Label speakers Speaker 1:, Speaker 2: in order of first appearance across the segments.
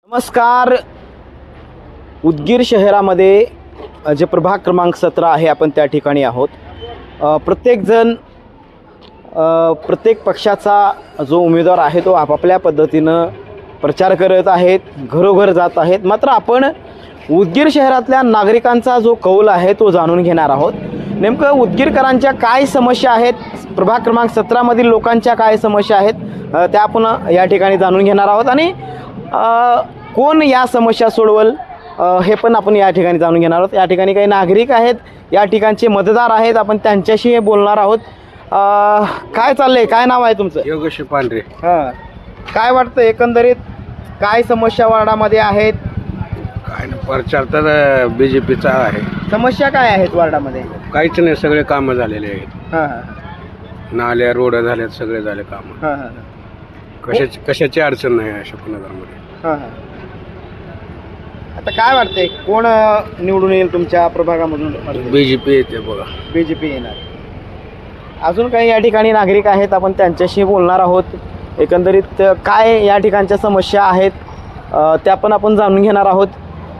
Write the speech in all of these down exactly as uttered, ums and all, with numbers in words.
Speaker 1: नमस्कार. उदगीर शहरामध्ये जे प्रभाग क्रमांक सतरा आहे आपण त्या ठिकाणी आहोत. प्रत्येकजण प्रत्येक पक्षाचा जो उमेदवार आहे तो आपापल्या पद्धतीनं प्रचार करत आहेत, घरोघर जात आहेत. मात्र आपण उदगीर शहरातल्या नागरिकांचा जो कौल आहे तो जाणून घेणार आहोत. नेमकं उदगीरकरांच्या काय समस्या आहेत, प्रभाग क्रमांक सतरामधील लोकांच्या काय समस्या आहेत त्या आपण या ठिकाणी जाणून घेणार आहोत आणि कोण या समस्या सोडवल हे पण आपण या ठिकाणी जाणून घेणार आहोत. या ठिकाणी काही नागरिक आहेत, या ठिकाणचे मतदार आहेत, आपण त्यांच्याशी बोलणार आहोत. काय चाललंय, काय नाव आहे तुमचं?
Speaker 2: योगेश पांढरे.
Speaker 1: हां, काय वाटतं एकंदरीत काय समस्या वार्डामध्ये आहेत?
Speaker 2: काय ना, प्रचार तर बी जे पीचा आहे.
Speaker 1: समस्या काय आहेत वार्डामध्ये?
Speaker 2: काहीच नाही, सगळे कामं झालेले आहेत.
Speaker 1: हां हां
Speaker 2: नाल्या रोड झाल्यात, सगळे झाले कामं.
Speaker 1: हां हां
Speaker 2: कशाची कशाची अडचण नाही आहे अशोकनगरमध्ये.
Speaker 1: हां हां आता काय वाटतंय कोण निवडून येईल तुमच्या प्रभागामधून?
Speaker 2: बी जे पी येते बघा.
Speaker 1: बी जे पी येणार. अजून काही या ठिकाणी नागरिक आहेत, आपण त्यांच्याशी बोलणार आहोत. एकंदरीत काय या ठिकाणच्या समस्या आहेत त्या पण आपण जाणून घेणार आहोत.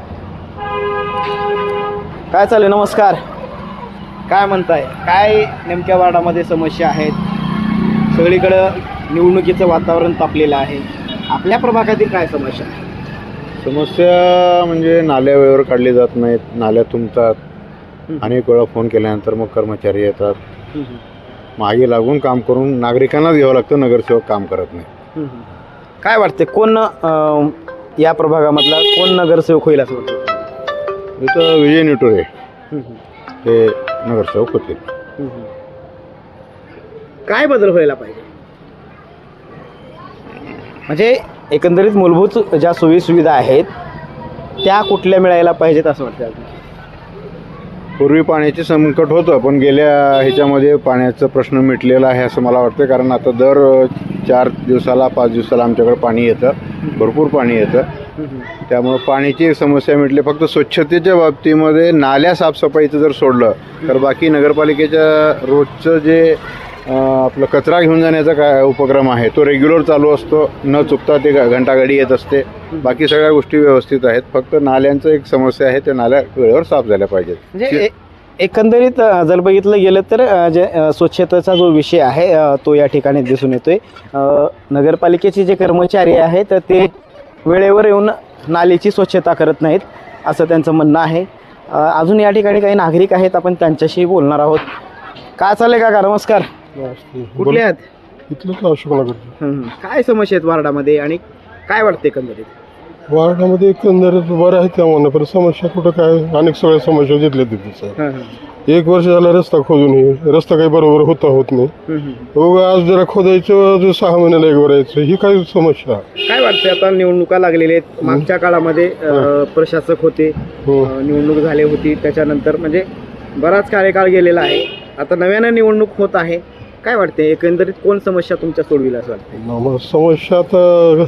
Speaker 1: काय चालेल? नमस्कार. काय म्हणताय, काय नेमक्या वार्डामध्ये समस्या आहेत? सगळीकडं निवडणुकीचं वातावरण तापलेलं आहे. आपल्या प्रभागातील काय समस्या?
Speaker 3: समस्या म्हणजे नाल्या वेळेवर काढली जात नाहीत, नाल्या तुंबतात. अनेक वेळा फोन केल्यानंतर मग कर्मचारी येतात. मागे लागून काम करून नागरिकांनाच घ्यावं लागतं, नगरसेवक काम करत नाही.
Speaker 1: काय वाटते कोण या प्रभागामधला कोण नगरसेवक होईल असं वाटतं?
Speaker 3: इथं विजय निटोरे हे नगरसेवक होते.
Speaker 1: काय बदल व्हायला पाहिजे? म्हणजे एकंदरीत मूलभूत ज्या सोयी सुविधा आहेत त्या कुठल्या मिळायला पाहिजेत असं वाटतं?
Speaker 3: पूर्वी पाण्याचे संकट होतं, पण गेल्या ह्याच्यामध्ये पाण्याचा प्रश्न मिटलेला आहे असं मला वाटतं. कारण आता दर चार दिवसाला पाच दिवसाला आमच्याकडे पाणी येतं, भरपूर पाणी येतं. त्यामुळं पाण्याची समस्या मिटली. फक्त स्वच्छतेच्या बाबतीमध्ये नाल्या साफसफाईचं जर सोडलं तर बाकी नगरपालिकेच्या रोजचं जे आपलं कचरा घेऊन जाण्याचा काय उपक्रम आहे तो रेग्युलर चालू असतो, न चुकता ते घंटागाडी येत असते. बाकी सगळ्या गोष्टी व्यवस्थित आहेत. फक्त नाल्यांचं एक समस्या आहे, त्या नाल्या वेळेवर साफ झाल्या पाहिजेत.
Speaker 1: म्हणजे एकंदरीत जर बघितलं गेलं तर जे स्वच्छतेचा जो विषय आहे तो या ठिकाणी दिसून येतोय. नगरपालिकेचे जे कर्मचारी आहेत ते वेळेवर येऊन नालीची स्वच्छता करत नाहीत असं त्यांचं म्हणणं आहे. अजून या ठिकाणी काही नागरिक आहेत, आपण त्यांच्याशी बोलणार आहोत. काय चाललंय काका? नमस्कार. कुठले आहात?
Speaker 4: इथलंच अशोकनगर.
Speaker 1: काय समस्या आहेत वार्डामध्ये आणि काय वाटते एकंदरीत?
Speaker 4: वार्डामध्ये एकंदरीत बरं आहे त्यामुळे, पण समस्या कुठं काय, अनेक सगळ्या समस्या जिथल्या तिथेच. एक वर्ष झाला रस्ता खोदून, ही रस्ता काही बरोबर होता होत नाही. आज जरा खोदायचं, जो सहा महिन्याला एक भरायचं, ही काही समस्या.
Speaker 1: काय वाटतं आता निवडणुका लागलेल्या आहेत, मागच्या काळामध्ये प्रशासक होते, निवडणूक झाली होती, त्याच्यानंतर म्हणजे बराच कार्यकाळ गेलेला आहे. आता नव्यानं निवडणूक होत आहे. काय वाटते एकंदरीत कोण समस्या तुमच्या सोडविल असं वाटतं?
Speaker 4: समस्या तर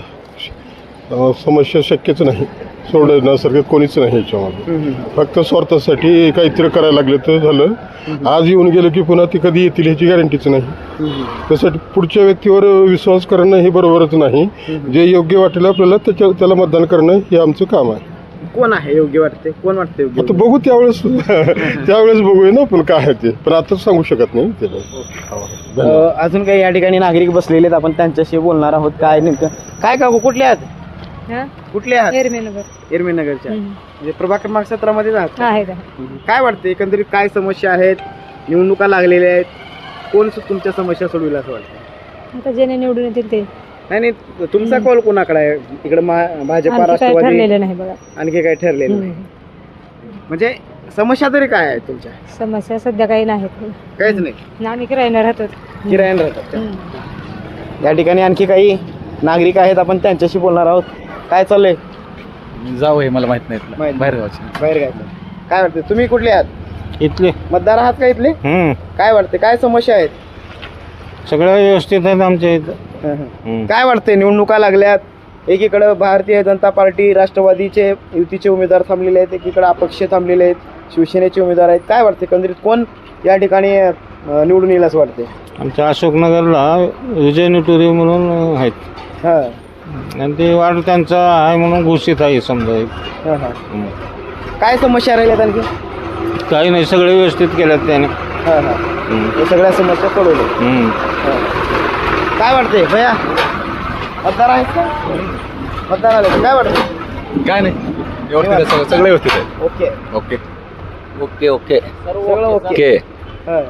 Speaker 4: समस्या शक्यच नाही, सोडण्यासारखं कोणीच नाही याच्यामध्ये. फक्त स्वार्थासाठी काहीतरी करायला लागलं तर झालं. आज येऊन गेलं की पुन्हा ती कधी येतील ह्याची गॅरंटीच नाही. त्यासाठी पुढच्या व्यक्तीवर विश्वास करणं हे बरोबरच नाही. जे योग्य वाटेल आपल्याला त्याच्या त्याला मतदान करणं हे आमचं काम आहे.
Speaker 1: कोण आहे योग्य वाटते, कोण वाटते योग्य?
Speaker 4: आता बघू त्यावेळेस त्यावेळेस बघूया ना, पण काय आहे ते पण आताच सांगू शकत नाही त्याला.
Speaker 1: अजून काही या ठिकाणी नागरिक बसलेले आहेत, आपण त्यांच्याशी बोलणार आहोत. काय नेमकं काय का कुठले आहात? कुठले आहात?
Speaker 5: एरमेनगर.
Speaker 1: एरमेनगरच्या. म्हणजे प्रभाग क्रमांक सतरा मध्ये आहात?
Speaker 5: आहे.
Speaker 1: काय वाटते एकंदरीत काय समस्या आहेत? निवडणुका लागलेल्या आहेत, कोण तुमच्या समस्या सोडविल असं वाटतं?
Speaker 5: आता जेणे निवडून येतील ते.
Speaker 1: नाही नाही, तुमचा कौल कोणाकडे आहे? इकडे भाजपा, राष्ट्रवादी,
Speaker 5: ठरलेलं नाही बघा.
Speaker 1: आणखी काय ठरलेलं नाही? म्हणजे समस्या तरी काय आहे तुमच्या?
Speaker 5: समस्या सध्या काही नाहीत,
Speaker 1: काहीच नाही.
Speaker 5: आम्ही किरायला राहतो.
Speaker 1: किरायाने राहतात. या ठिकाणी आणखी काही नागरिक आहेत, आपण त्यांच्याशी बोलणार आहोत. काय चाललंय?
Speaker 6: जाऊ आहे मला माहित नाही,
Speaker 1: माहित
Speaker 6: बाहेर गावचे.
Speaker 1: बाहेर काय काय वाटते? तुम्ही कुठले आहात?
Speaker 6: इथले
Speaker 1: मतदार आहात का इथले? काय वाटते काय समस्या आहेत?
Speaker 6: सगळं व्यवस्थित आहेत आमच्या इथं.
Speaker 1: काय वाटते निवडणुका लागल्यात, एकीकडे भारतीय जनता पार्टी, राष्ट्रवादीचे युतीचे उमेदवार थांबलेले आहेत, एकीकडे अपक्ष थांबलेले आहेत, शिवसेनेचे उमेदवार आहेत. काय वाटते एकंदरीत कोण या ठिकाणी निवडून येईल असं वाटते?
Speaker 6: आमच्या अशोकनगरला विजय निटोरे म्हणून आहेत.
Speaker 1: हां
Speaker 6: आणि ते वाढ त्यांचा आहे म्हणून घोषित आहे समजा एक.
Speaker 1: हां हां
Speaker 6: हं.
Speaker 1: काय समस्या राहिल्यात आणखी?
Speaker 6: काही नाही, सगळे व्यवस्थित केल्यात त्याने.
Speaker 1: हां हां
Speaker 6: हं.
Speaker 1: हे सगळ्या समस्या सोडवल्या.
Speaker 6: हं.
Speaker 1: काय वाटतंय भैया? मतदार आहेत का? मतदार आले का? काय वाटतं?
Speaker 7: काय नाही व्यवस्थित आहे, सगळं सगळं व्यवस्थित आहे.
Speaker 1: ओके
Speaker 7: ओके ओके ओके
Speaker 1: सगळं ओके.
Speaker 7: ओके
Speaker 1: हां.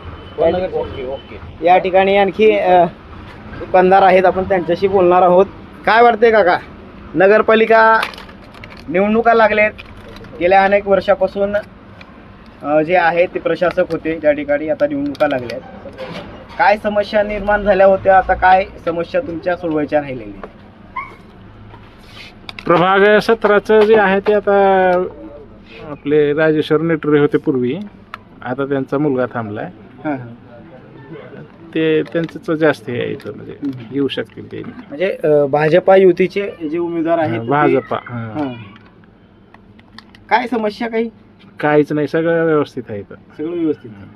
Speaker 1: या ठिकाणी आणखी अ, दुकानदार आहेत, आपण त्यांच्याशी बोलणार आहोत. काय वाटते काका? नगरपालिका निवडणुका लागलेत. गेल्या अनेक वर्षापासून अ, जे आहे ते प्रशासक होते ज्या ठिकाणी, आता निवडणुका लागल्यात. काय समस्या निर्माण झाल्या होत्या, आता काय समस्या तुमच्या सोडवायच्या राहिलेल्या?
Speaker 8: प्रभाग सतराचं जे आहे ते आता आपले राजेश्वर नेटुरे होते पूर्वी, आता त्यांचा मुलगा थांबलाय.
Speaker 1: हां हां.
Speaker 8: ते त्यांचं जास्त हे आहे इथं, म्हणजे येऊ शकतील ते.
Speaker 1: म्हणजे अ, भाजपा युतीचे जे उमेदवार आहेत ते-
Speaker 8: भाजपा हां.
Speaker 1: हां. काय समस्या काही?
Speaker 8: काहीच नाही, सगळं व्यवस्थित आहे इथं.
Speaker 1: सगळं व्यवस्थित आहे.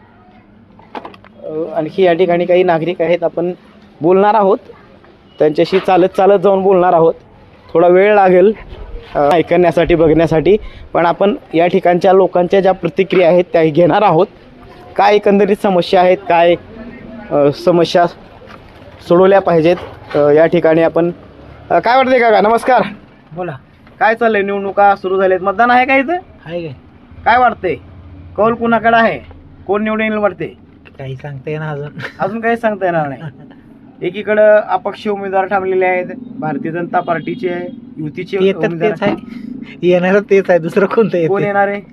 Speaker 1: अ, आणखी या ठिकाणी काही नागरिक आहेत, आपण बोलणार आहोत त्यांच्याशी, चालत चालत जाऊन बोलणार आहोत. थोडा वेळ लागेल अ, ऐकण्यासाठी, बघण्यासाठी, पण आपण या ठिकाणच्या लोकांच्या ज्या प्रतिक्रिया आहेत त्या घेणार आहोत. काय एकंदरीत समस्या आहेत, काय अ, समस्या सोडवल्या पाहिजेत, अ, या ठिकाणी आपण अ, काय वाटते काका? नमस्कार.
Speaker 6: बोला.
Speaker 1: काय चाललंय? निवडणुका सुरू झाल्यात, मतदान आहे का इथं?
Speaker 6: आहे काय?
Speaker 1: काय वाटतंय? कौल कुणाकडे आहे? कोण निवडून येईल वाटते?
Speaker 6: काही सांगता येणार अजून.
Speaker 1: अजून काही सांगता येणार नाही. एकीकडं अपक्ष उमेदवार थांबलेले आहेत, भारतीय जनता पार्टीचे आहे, युतीचे उमेदवार
Speaker 6: आहे, येणार तेच आहे, दुसरं कोणतं
Speaker 1: कोण येणार आहे?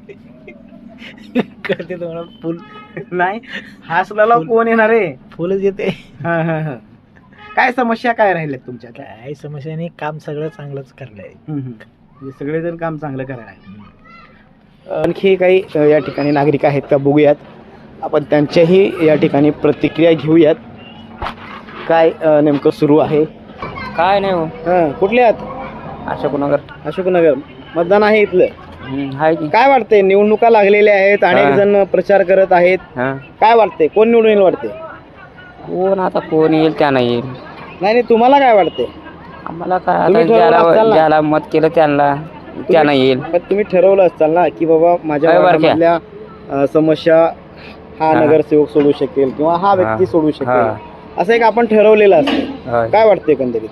Speaker 6: करते तुम्हाला फुल
Speaker 1: नाही, हासला कोण येणार आहे?
Speaker 6: फुलच येते.
Speaker 1: हा हा हा. काय समस्या काय राहिल्यात तुमच्या?
Speaker 6: काही समस्या नाही, काम सगळं चांगलंच करलंय.
Speaker 1: म्हणजे सगळेजण काम चांगलं करायला आहे. आणखी काही अ, या ठिकाणी नागरिक आहेत का बघूयात, आपण त्यांच्याही या ठिकाणी प्रतिक्रिया घेऊयात. काय अ, नेमकं सुरू आहे?
Speaker 6: काय नाही हो,
Speaker 1: हां, कुठले आहात?
Speaker 6: अशोकनगर
Speaker 1: अशोकनगर. मतदान आहे इथलं.
Speaker 6: आहे की.
Speaker 1: काय वाटतंय? निवडणुका लागलेल्या आहेत, अनेक
Speaker 6: हां.
Speaker 1: जण प्रचार करत आहेत.
Speaker 6: हां.
Speaker 1: काय वाटतंय? कोण निवडून येईल वाटते?
Speaker 6: कोण आता कोण येईल त्या नाही येईल,
Speaker 1: नाही नाही, तुम्हाला काय वाटते?
Speaker 6: आम्हाला काय
Speaker 1: तुम्ही
Speaker 6: आता
Speaker 1: ठरवलं असाल
Speaker 6: ज्याला
Speaker 1: ना?
Speaker 6: ज्याला मत केलं त्यांना त्यांना येईल.
Speaker 1: पण तुम्ही ठरवलं असताल ना की बाबा माझ्या
Speaker 6: काय बरं
Speaker 1: वार्डामधल्या अ, समस्या हा
Speaker 6: हां.
Speaker 1: नगरसेवक सोडू शकेल किंवा हा व्यक्ती
Speaker 6: हां.
Speaker 1: सोडू शकेल,
Speaker 6: हां.
Speaker 1: असं एक आपण ठरवलेलं असतं.
Speaker 6: होय.
Speaker 1: काय वाटतंय एकंदरीत?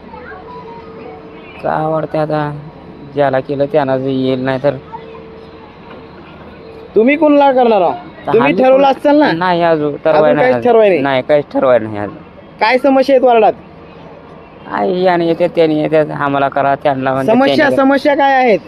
Speaker 6: काय वाटते आता ज्याला केलं त्यांना जे येईल, नाही तर
Speaker 1: तुम्ही कोणाला करणार आहात? तुम्ही ठरवलं असताल ना?
Speaker 6: नाही अजून
Speaker 1: अजून
Speaker 6: ठरवाय
Speaker 1: काहीच
Speaker 6: नाही
Speaker 1: ठरवाय नाही.
Speaker 6: नाही काहीच ठरवाय नाही अजून.
Speaker 1: काय समस्या आहेत वार्डात?
Speaker 6: आई याने येते त्याने येते, आम्हाला करा त्यांना म्हणते,
Speaker 1: समस्या
Speaker 6: त्याने करा.
Speaker 1: समस्या काय आहेत?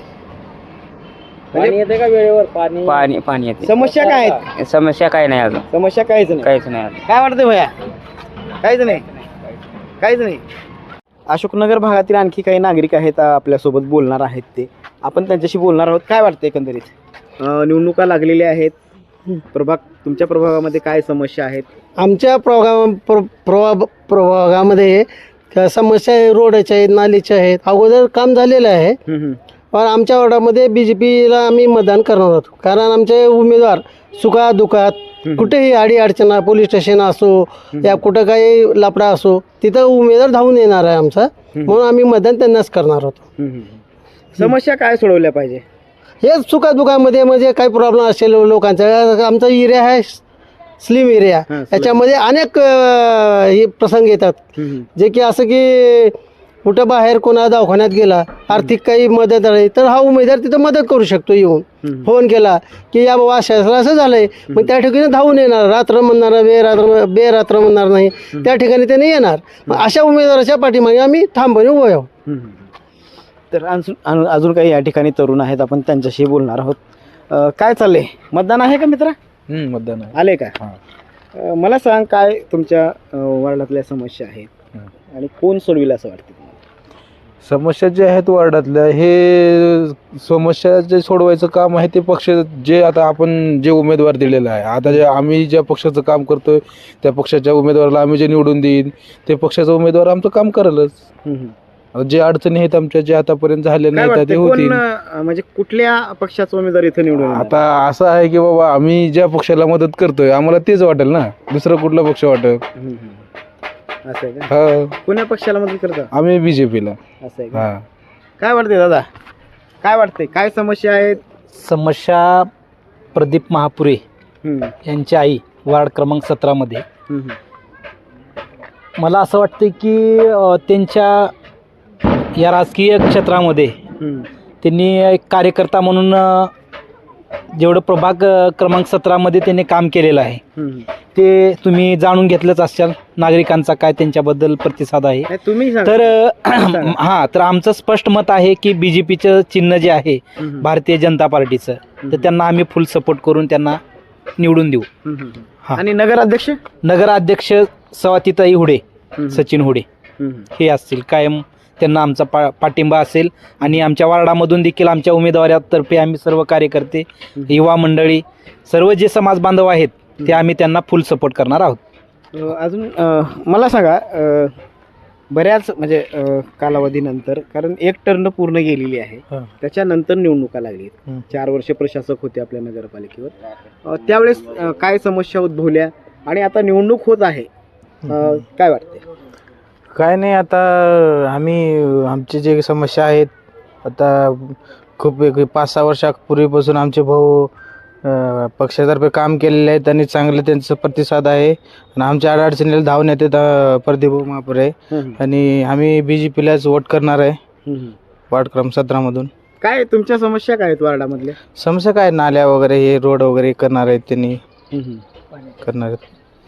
Speaker 6: पाणी येते का वेळेवर? पाणी पाणी पाणी येते.
Speaker 1: समस्या काय आहेत?
Speaker 6: समस्या काय नाही अजून,
Speaker 1: समस्या काहीच नाही.
Speaker 6: काहीच नाही अजून.
Speaker 1: काय वाटतंय भैया? काहीच नाही, काहीच नाही. अशोकनगर भागातील आणखी काही नागरिक आहेत, अ, आपल्यासोबत बोलणार आहेत ते, आपण त्यांच्याशी बोलणार आहोत. काय वाटतं एकंदरीत? अ, निवडणुका लागलेल्या आहेत, प्रभाग तुमच्या प्रभागामध्ये काय समस्या आहेत?
Speaker 9: आमच्या प्रभागा प्र प्रभा प्रभागामध्ये क- समस्या आहे, रोडाच्या आहेत, नालीच्या आहेत. अगोदर काम झालेलं आहे,
Speaker 1: हम्म, हम्म.
Speaker 9: पण आमच्या वॉर्डामध्ये बी जे पीला आम्ही मतदान करणार आहोत. कारण आमचे उमेदवार सुखा दुखात कुठेही अडी अडचणा, पोलीस स्टेशन असो या कुठं काही लफडा असो, तिथं उमेदवार धावून येणार आहे आमचा, म्हणून आम्ही मतदान त्यांनाच करणार आहोत.
Speaker 1: हम्म, हम्म. समस्या काय सोडवल्या पाहिजे?
Speaker 9: हेच सुखादुखामध्ये म्हणजे काही प्रॉब्लेम असेल लोकांचा, आमचा एरिया आहे स्लिम एरिया,
Speaker 1: हां, स्लिम.
Speaker 9: याच्यामध्ये अनेक अ, हे प्रसंग येतात,
Speaker 1: हम्म,
Speaker 9: जे की असं की कुठं बाहेर कोणा दवाखान्यात गेला, आर्थिक काही मदत आहे तर हा उमेदवार तिथं मदत करू शकतो. येऊन
Speaker 1: हम्म.
Speaker 9: फोन केला की या बाबा असं असं असं झालंय, मग त्या ठिकाणी धावून येणार, रात्र म्हणणार बेरात्र बेरात्र म्हणणार नाही, त्या ठिकाणी त्याने येणार. मग अशा उमेदवाराच्या पाठीमागे आम्ही ठामपणे उभे आहोत.
Speaker 1: हम्म. तर अजून अजून- अजून काही या ठिकाणी तरुण आहेत, आपण त्यांच्याशी बोलणार आहोत. अ, काय चाललंय? मतदान आहे का मित्रा?
Speaker 7: मतदान आहे.
Speaker 1: आले का?
Speaker 7: हां.
Speaker 1: अ, मला सांग, काय तुमच्या अ, वार्डातल्या समस्या आहेत आणि कोण सोडविल असं वाटतं तुम्हाला?
Speaker 7: समस्या ज्या आहेत वार्डातल्या, हे समस्या जे सोडवायचं काम आहे ते पक्ष जे आता आपण जे उमेदवार दिलेला आहे, आता जे आम्ही ज्या पक्षाचं काम करतोय त्या पक्षाच्या उमेदवाराला आम्ही जे निवडून देईन ते पक्षाचा उमेदवार आमचं काम करेलच.
Speaker 1: हम्म, हम्म.
Speaker 7: आता जे अडचणी आहेत आमच्या जे आतापर्यंत झाल्या
Speaker 1: काय
Speaker 7: नाहीत ते
Speaker 1: वाटतं?
Speaker 7: होतील.
Speaker 1: कोण अ, म्हणजे कुठल्या पक्षाचा उमेदवार इथं निवडून येणार?
Speaker 7: आता असं आहे की बाबा आम्ही ज्या पक्षाला मदत करतोय आम्हाला तेच वाटेल ना, दुसरं कुठला पक्ष वाटेल.
Speaker 1: हम्म, हम्म. असं आहे का?
Speaker 7: हो
Speaker 1: कुण्या पक्षाला मदत करता?
Speaker 7: आम्ही बीजेपीला.
Speaker 1: असं आहे का?
Speaker 7: हा
Speaker 1: काय वाटते दादा, काय वाटते, काय समस्या आहेत?
Speaker 10: समस्या प्रदीप महापुरे
Speaker 1: हम्म,
Speaker 10: यांची आई वार्ड क्रमांक सतरामध्ये.
Speaker 1: हम्म,
Speaker 10: मला असं वाटतं की अ, त्यांच्या या राजकीय क्षेत्रामध्ये
Speaker 1: हम्म,
Speaker 10: त्यांनी एक कार्यकर्ता म्हणून अ, जेवढं प्रभाग अ, क्रमांक सतरामध्ये त्यांनी काम केलेलं आहे
Speaker 1: हम्म.
Speaker 10: ते तुम्ही जाणून घेतलंच असाल. नागरिकांचा काय त्यांच्याबद्दल प्रतिसाद आहे.
Speaker 1: नाही, तुम्ही सांगा.
Speaker 10: तर अ,
Speaker 1: सांगा.
Speaker 10: हां तर आमचं स्पष्ट मत आहे की बी जे पीचं चिन्ह जे आहे
Speaker 1: हम्म,
Speaker 10: भारतीय जनता पार्टीचं, तर त्यांना आम्ही फुल सपोर्ट करून त्यांना निवडून देऊ.
Speaker 1: हम्म, हम्म.
Speaker 10: हा.
Speaker 1: आणि नगराध्यक्ष?
Speaker 10: नगराध्यक्ष सवातीताई हुडे,
Speaker 1: हम्म,
Speaker 10: सचिन हुडे
Speaker 1: हम्म,
Speaker 10: हे असतील. कायम त्यांना आमचा पा पाठिंबा असेल आणि आमच्या वार्डामधून देखील आमच्या उमेदवारातर्फे आम्ही सर्व कार्यकर्ते, युवा मंडळी, सर्व जे समाज बांधव आहेत ते आम्ही त्यांना फुल सपोर्ट करणार आहोत.
Speaker 1: अ, अजून अ, मला सांगा, अ, बऱ्याच म्हणजे अ, कालावधीनंतर, कारण एक टर्न पूर्ण गेलेली आहे,
Speaker 10: हा.
Speaker 1: त्याच्यानंतर निवडणुका लागली.
Speaker 10: हं.
Speaker 1: चार वर्ष प्रशासक होते आपल्या नगरपालिकेवर. अ, त्यावेळेस अ, काय समस्या उद्भवल्या आणि आता निवडणूक होत आहे, अ, काय वाटते?
Speaker 7: काय नाही, आता आम्ही आमची जे समस्या आहेत, आता खूप एक पाच सहा वर्षापूर्वीपासून आमचे भाऊ अ, पक्षातर्फे काम केलेले आहेत आणि चांगलं त्यांचं प्रतिसाद आहे आणि आमच्या अडचणीला धावून येतात अ, प्रदीप महापुरे, आणि आम्ही बी जे पीलाच वोट करणार आहे वार्ड क्रमांक सतरामधून.
Speaker 1: काय तुमच्या समस्या काय आहेत वार्डामधल्या?
Speaker 7: समस्या काय, नाल्या वगैरे हे रोड वगैरे करणार आहेत त्यांनी, करणार आहेत.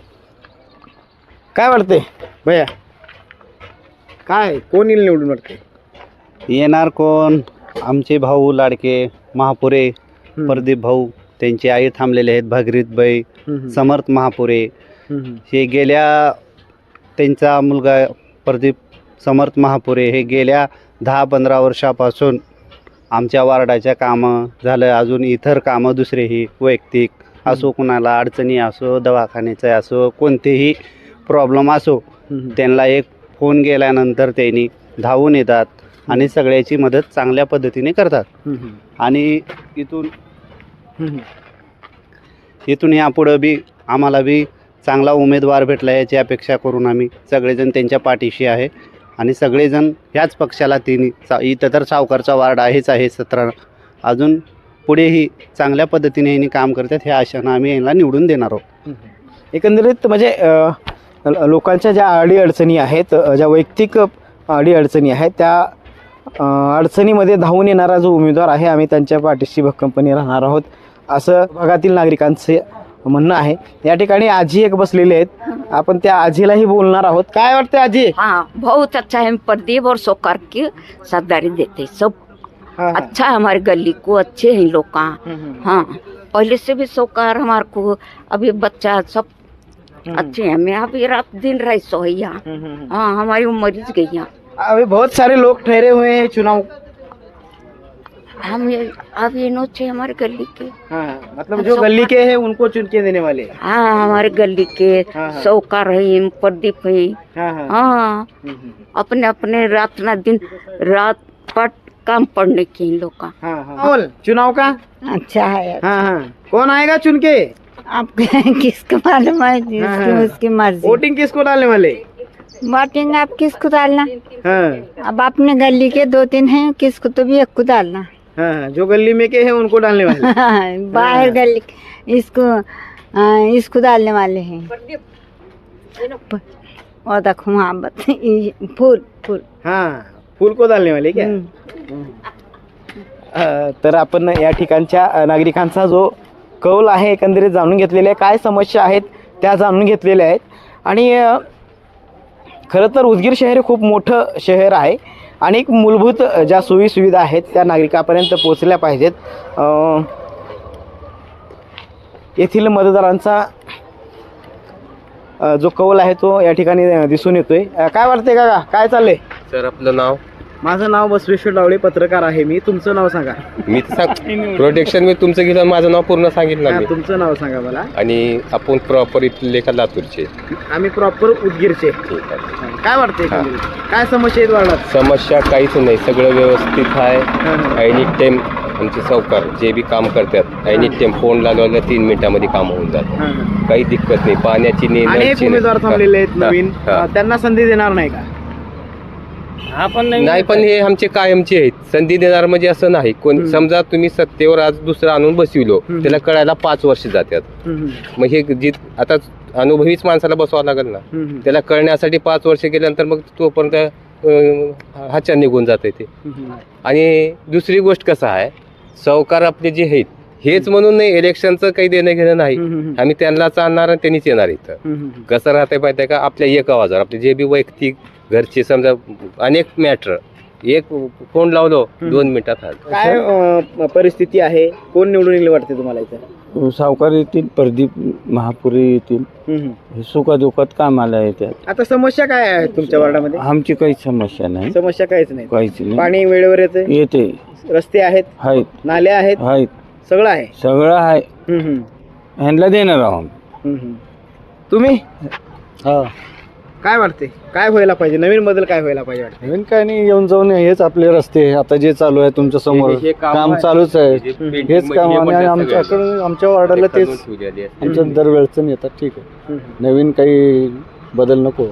Speaker 1: काय वाटते भैया, काय कोण येईल निवडून वाटते?
Speaker 11: येणार कोण? आमचे भाऊ लाडके महापुरे, प्रदीप भाऊ, त्यांची आई थांबलेले आहेत भागीरथबाई, समर्थ महापुरे. हे गेल्या, त्यांचा मुलगा प्रदीप समर्थ महापुरे हे गेल्या दहा पंधरा वर्षापासून आमच्या वार्डाच्या कामं झालं, अजून इतर कामं दुसरेही वैयक्तिक असो, कुणाला अडचणी असो, दवाखान्याचं असो, कोणतेही प्रॉब्लेम असो, त्यांना एक फोन गेल्यानंतर त्यांनी धावून येतात आणि सगळ्याची मदत चांगल्या पद्धतीने करतात. आणि इथून इथून यापुढं बी आम्हाला बी चांगला उमेदवार भेटला याची अपेक्षा करून आम्ही सगळेजण त्यांच्या पाठीशी आहे आणि सगळेजण ह्याच पक्षाला तिन्ही सा इथं तर सावकारचा वार्ड आहेच आहे सतरा, अजून पुढेही चांगल्या पद्धतीने यांनी काम करतात ह्या आशेनं आम्ही यांना निवडून देणार आहोत.
Speaker 1: एकंदरीत म्हणजे अ, लोकांच्या ज्या अडीअडचणी आहेत, अ, ज्या वैयक्तिक अडीअडचणी आहेत, त्या अ, अडचणीमध्ये धावून येणारा जो उमेदवार आहे, आम्ही त्यांच्या पाठीशी भक्कमपणे राहणार आहोत, असं भागातील नागरिकांचे म्हणणं आहे. या ठिकाणी आजी एक बसलेले आहेत, आपण त्या आजीलाही बोलणार आहोत. काय वाटते आजी?
Speaker 12: हाँ बहुत अच्छा है, हम प्रदीप और सोकार की सरदारी देते सब
Speaker 1: हाँ, हाँ.
Speaker 12: अच्छा है, हमारे गली को अच्छे हैं लोग. हाँ पहले से भी सोकार हमारे को, अभी बच्चा सब अच्छे हैं. मैं अभी रात दिन रही सोया. हाँ हमारी उम्र ही गई है.
Speaker 1: अभी बहुत सारे लोग ठहरे हुए हैं चुनाव.
Speaker 12: हम ये अब ये नोचे हमारे गली के.
Speaker 1: हाँ, मतलब जो गली के हैं उनको चुन के देने वाले.
Speaker 12: हाँ हमारे गली के
Speaker 1: हाँ, हाँ.
Speaker 12: सोकार है, प्रदीप है.
Speaker 1: हाँ, हाँ.
Speaker 12: हाँ अपने अपने रात ना दिन रात पट काम पड़ने के इन लोग का.
Speaker 1: हाँ, हाँ. बोल, चुनाव का
Speaker 5: अच्छा है.
Speaker 1: हाँ हाँ कौन आएगा चुन के?
Speaker 5: आप किसको मालूम है?
Speaker 1: हाँ,
Speaker 5: जिसकी
Speaker 1: हाँ.
Speaker 5: उसकी मर्जी.
Speaker 1: वोटिंग किसको डालने वाले?
Speaker 5: वोटिंग आप किसको डालना?
Speaker 1: हाँ,
Speaker 5: अब अपने गली के दो तीन हैं, किसको तो भी एक को डालना.
Speaker 1: हाँ, हाँ, जो गली में के हैं उनको डालने वाले.
Speaker 5: बाहर गली इसको आ, इसको डालने वाले हैं. और देखो वहाँ बत- ये फूल फूल.
Speaker 1: हाँ फूल को डालने वाले क्या? अ, तर आपण या ठिकाणच्या अ, नागरिकांचा जो कौल आहे एकंदरीत जाणून घेतलेले आहे, काय समस्या आहेत त्या जाणून घेतलेल्या आहेत. आणि अ, खरं तर उदगीर शहर हे खूप मोठं शहर आहे आणि एक मूलभूत ज्या सोयीसुविधा आहेत त्या नागरिकापर्यंत पोहोचल्या पाहिजेत. अ, येथील मतदारांचा अ, जो कौल आहे तो या ठिकाणी अ, दिसून येतोय. अ, काय वाटते काका, काय चाललंय?
Speaker 13: सर आपलं नाव?
Speaker 1: माझं नाव बसवेश्वर डावळे, पत्रकार आहे मी. तुमचं नाव सांगा.
Speaker 13: मी सांग प्रोटेक्शन मी तुमचं घेतलं, माझं नाव पूर्ण सांगितलं
Speaker 1: हा,
Speaker 13: मी.
Speaker 1: तुमचं नाव सांगा मला.
Speaker 13: आणि आपण प्रॉपर इथले का लातूरचे?
Speaker 1: आम्ही प्रॉपर उदगीरचे.
Speaker 13: ठीक आहे.
Speaker 1: काय वाटते काय समस्या आहेत वार्डात?
Speaker 13: समस्या काहीच नाही, सगळं व्यवस्थित आहे. एनी टाइम आमचे सावकार जे बी काम करतात आणि टेम्पोन लावल्या तीन मिनिटामध्ये काम होऊन जातं. काही दिक्कत नाही. पाण्याची नाही,
Speaker 1: अनेक
Speaker 13: नळची
Speaker 1: उमेदवार
Speaker 13: नाही.
Speaker 1: थांबलेले आहेत
Speaker 13: हा,
Speaker 1: नवीन
Speaker 13: हा.
Speaker 1: अ, त्यांना संधी देणार नाही का?
Speaker 13: नाही, पण हे आमचे कायमचे आहेत. संधी देणार म्हणजे असं नाही. कोण समजा तुम्ही सत्तेवर आज दुसरं आणून बसविलो, त्याला कळायला पाच वर्ष जातात. मग हे जी आता अनुभवीच माणसाला बसवावं लागेल ना, त्याला कळण्यासाठी पाच वर्ष गेल्यानंतर मग तोपर्यंत अं, हाच्या निघून जाते ते. आणि दुसरी गोष्ट कसं आहे, सावकार आपले जे आहेत हेच म्हणून नाही, इलेक्शनचं काही देणं घेणं नाही. आम्ही त्यांनाच आणणार आणि त्यांनीच येणार इथं. कसं राहतंय माहिती आहे का, आपल्या एक आवाजावर आपले जे बी वैयक्तिक घरचे समजा अनेक मॅटर एक फोन लावलो दोन मिनिटात हाल.
Speaker 1: काय अ, परिस्थिती आहे? कोण निवडून येईल वाटते तुम्हाला इथं?
Speaker 14: सावकार येतील, प्रदीप महापुरे येतील. हे सुखादुखात कामाला येतात.
Speaker 1: आता समस्या काय आहे तुमच्या वार्डामध्ये?
Speaker 14: आमची काही समस्या नाही,
Speaker 1: समस्या काहीच नाही.
Speaker 14: काहीच नाही.
Speaker 1: पाणी वेळेवर येते,
Speaker 14: येते,
Speaker 1: रस्ते आहेत,
Speaker 14: आहेत,
Speaker 1: नाल्या आहेत,
Speaker 14: आहेत,
Speaker 1: सगळं आहे.
Speaker 14: सगळं आहे.
Speaker 1: हम्म, हम्म.
Speaker 14: ह्यांना देणार आहोत.
Speaker 1: हम्म, हम्म. तुम्ही काय वाटते, काय व्हायला पाहिजे? नवीन बदल काय व्हायला पाहिजे वाटते?
Speaker 9: नवीन काय नाही, येऊन जाऊन हेच आपले रस्ते आता जे चालू आहे तुमच्या समोर
Speaker 13: हे- हे काम
Speaker 9: काम
Speaker 13: आहे.
Speaker 9: चालूच आहे.
Speaker 13: हे पेंटिंग
Speaker 9: हेच काम
Speaker 13: हे
Speaker 9: आणि
Speaker 13: म्हणतात
Speaker 9: आमच्याकडे आमच्या वार्डाला
Speaker 13: ते
Speaker 9: तेच
Speaker 13: करून ठेवलेली आहे.
Speaker 9: आमच्या दरवेळचं येतात. ठीक आहे, नवीन काही बदल नको.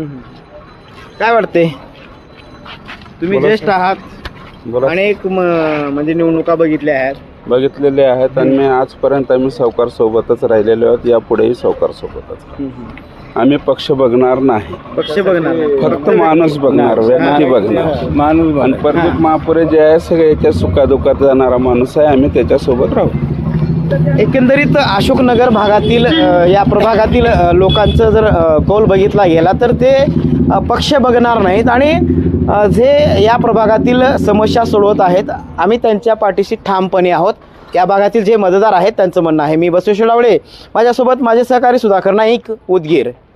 Speaker 1: काय वाटते? तुम्ही
Speaker 3: बोला
Speaker 1: ज्येष्ठ आहात,
Speaker 3: बोला.
Speaker 1: अनेक म- म्हणजे निवडणुका बघितल्या आहेत.
Speaker 3: बघितलेले आहेत आणि मी आजपर्यंत आम्ही सावकार सोबतच राहिलेलो आहोत, यापुढेही सावकार सोबतच. आम्ही पक्ष बघणार नाही,
Speaker 1: पक्ष बघणार नाही.
Speaker 3: फक्त माणूस बघणार, व्यक्ती बघणार.
Speaker 14: माणूस
Speaker 3: आणि प्रदीप महापुरे जे आहे सगळ्याच्या सुखादुखात जाणारा माणूस आहे, आम्ही त्याच्यासोबत राहू.
Speaker 1: एकंदरीत अशोकनगर भागातील अ, या प्रभागातील अ, लोकांचं जर अ, कौल बघितला गेला तर ते अ, पक्ष बघणार नाहीत आणि अ, जे या प्रभागातील समस्या सोडवत आहेत, आम्ही त्यांच्या पाठीशी ठामपणे आहोत. या भागातील जे मतदार आहेत त्यांचं म्हणणं आहे. मी बसवेश्वर डावळे, माझ्यासोबत माझे सहकारी सुधाकर नाईक, उदगीर.